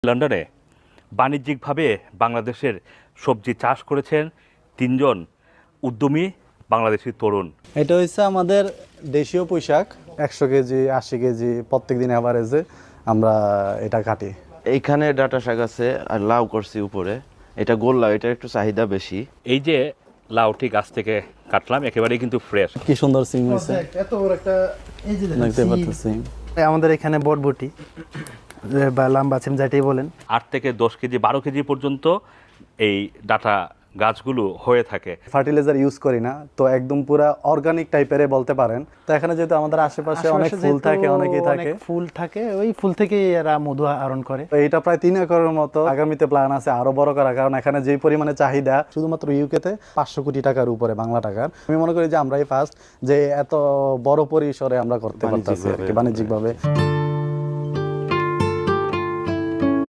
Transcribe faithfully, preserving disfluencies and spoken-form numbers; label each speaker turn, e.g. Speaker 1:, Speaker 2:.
Speaker 1: লন্ডনে বাণিজ্যিকভাবে বাংলাদেশের সবজি চাষ করেছেন তিনজন উদ্যমী বাংলাদেশি তরুণ।
Speaker 2: এটা হচ্ছে আমাদের দেশীয় পোশাক, একশো কেজি আশি কেজি প্রত্যেক দিন অ্যাভারেজে আমরা এটা কাটি।
Speaker 3: এইখানে ডাটা শাক আছে আর লাউ করছি উপরে, এটা গোল লাউ, এটা একটু চাহিদা বেশি।
Speaker 1: এই যে লাউটি গাছ থেকে কাটলাম, একেবারেই কিন্তু ফ্রেশ।
Speaker 2: কি সুন্দর সিম হয়েছে,
Speaker 4: এত বড় একটা এই যে
Speaker 2: দেখতে পাচ্ছি।
Speaker 4: আমাদের এখানে বটবটি বা লাম্বা সিম যেটাই বলেন,
Speaker 1: আট থেকে দশ কেজি বারো কেজি পর্যন্ত এই ডাটা গাছগুলো হয়ে থাকে।
Speaker 2: ফার্টিলাইজার ইউজ করি না, তো একদম পুরা অর্গানিক টাইপের বলতে পারেন। তো এখানে যেহেতু আমাদের আশেপাশে অনেক ফুল থাকে, অনেকেই থাকে,
Speaker 4: ফুল থাকে, ওই ফুল থেকে এরা মধু আহরণ করে।
Speaker 2: তো এটা প্রায় তিন একরের মতো। আগামীতে প্ল্যান আছে আরো বড় করা, কারণ এখানে যেই পরিমাণে চাহিদা শুধুমাত্র ইউকেতে পাঁচশো কোটি টাকার উপরে বাংলা টাকার। আমি মনে করি যে আমরাই ফার্স্ট যে এত বড় পরিসরে আমরা করতে পারতেছি আর কি বাণিজ্যিকভাবে।